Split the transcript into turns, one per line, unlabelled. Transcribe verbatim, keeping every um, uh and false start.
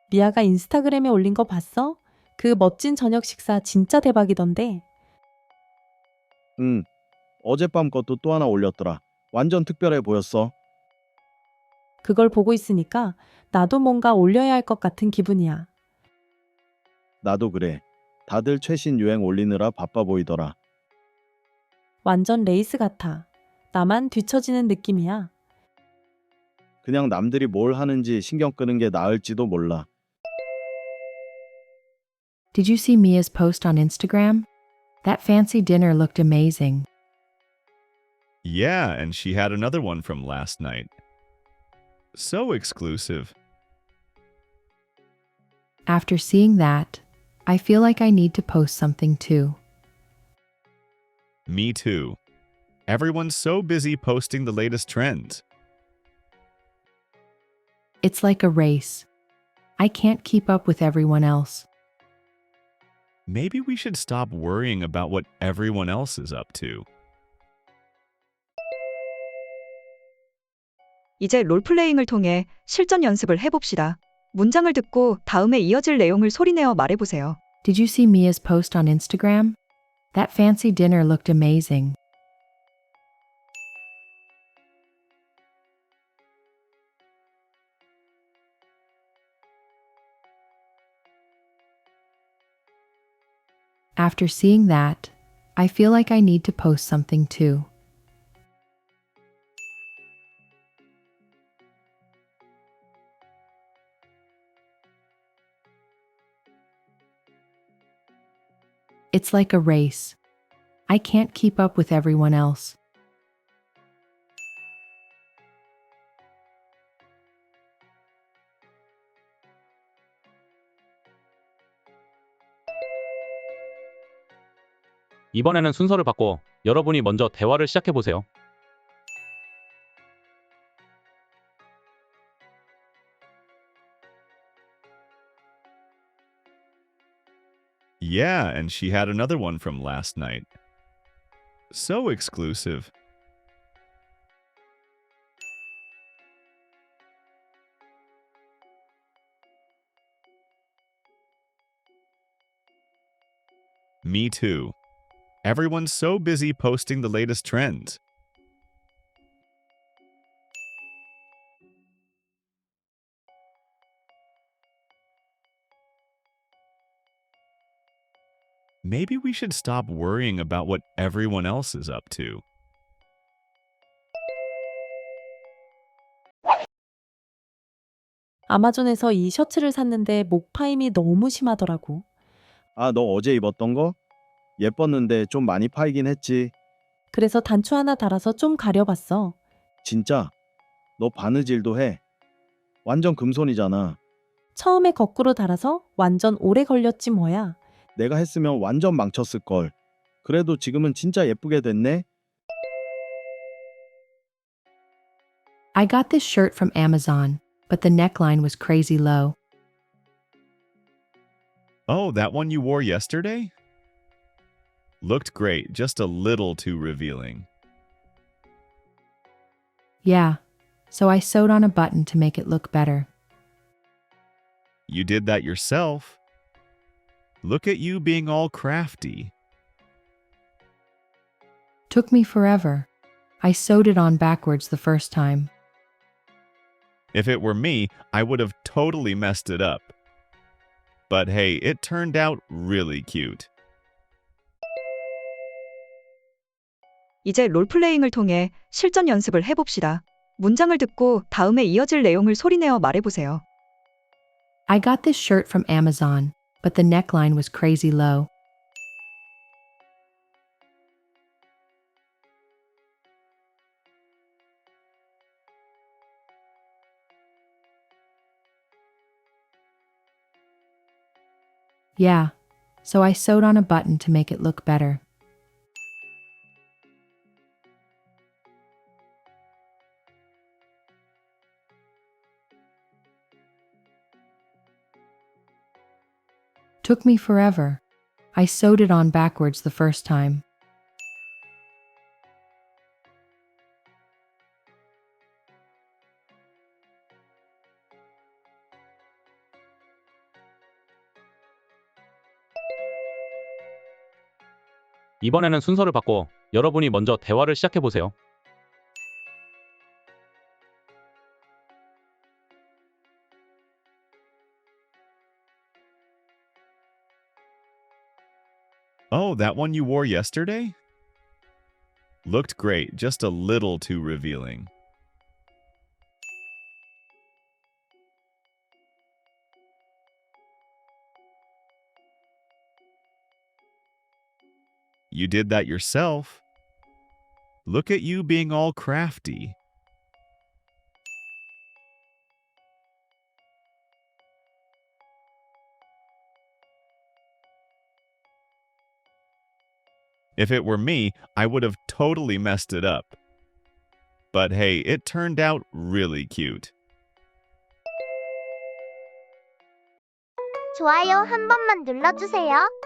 미아가 인스타그램에 올린 거 봤어? 그 멋진 저녁 식사 진짜 대박이던데.
응, 어젯밤 것도 또 하나 올렸더라. 완전 특별해 보였어.
그걸 보고 있으니까 나도 뭔가 올려야 할 것 같은 기분이야.
나도 그래. 다들 최신 유행 올리느라 바빠 보이더라.
완전 레이스 같아. 나만 뒤처지는 느낌이야.
그냥 남들이 뭘 하는지 신경 끄는 게 나을지도 몰라.
Did you see Mia's post on Instagram? That fancy dinner looked amazing.
Yeah, and she had another one from last night. So exclusive.
After seeing that, I feel like I need to post something too.
Me too. Everyone's so busy posting the latest trends.
It's like a race. I can't keep up with everyone else.
Maybe we should stop worrying about what everyone else is up to.
이제 롤플레잉을 통해 실전 연습을 해봅시다. 문장을 듣고 다음에 이어질 내용을 소리내어 말해보세요.
Did you see Mia's post on Instagram? That fancy dinner looked amazing. After seeing that, I feel like I need to post something too. It's like a race. I can't keep up with everyone else.
이번에는 순서를 바꿔 여러분이 먼저 대화를 시작해 보세요.
Yeah, and she had another one from last night. So exclusive. Me too. Everyone's so busy posting the latest trends. Maybe we should stop worrying about what everyone else is up to.
아마존에서 이 셔츠를 샀는데 목 파임이 너무 심하더라고.
아, 너 어제 입었던 거? 예뻤는데 좀 많이 파이긴 했지.
그래서 단추 하나 달아서 좀 가려봤어.
진짜? 너 바느질도 해. 완전 금손이잖아.
처음에 거꾸로 달아서 완전 오래 걸렸지 뭐야.
내가 했으면 완전 망쳤을걸. 그래도 지금은 진짜 예쁘게 됐네.
I got this shirt from Amazon, but the neckline was crazy low.
Oh, that one you wore yesterday? Looked great, just a little too revealing.
Yeah, so I sewed on a button to make it look better.
You did that yourself. Look at you being all crafty.
Took me forever. I sewed it on backwards the first time.
If it were me, I would have totally messed it up. But hey, it turned out really cute.
이제 롤플레잉을 통해 실전 연습을 해봅시다. 문장을 듣고 다음에 이어질 내용을 소리내어 말해보세요.
I got this shirt from Amazon, but the neckline was crazy low. Yeah, so I sewed on a button to make it look better. Took me forever. I sewed it on backwards the first time.
이번에는 순서를 바꿔 여러분이 먼저 대화를 시작해 보세요.
Oh, that one you wore yesterday? Looked great, just a little too revealing. You did that yourself. Look at you being all crafty. If it were me, I would have totally messed it up. But hey, it turned out really cute.
좋아요 한 번만 눌러주세요.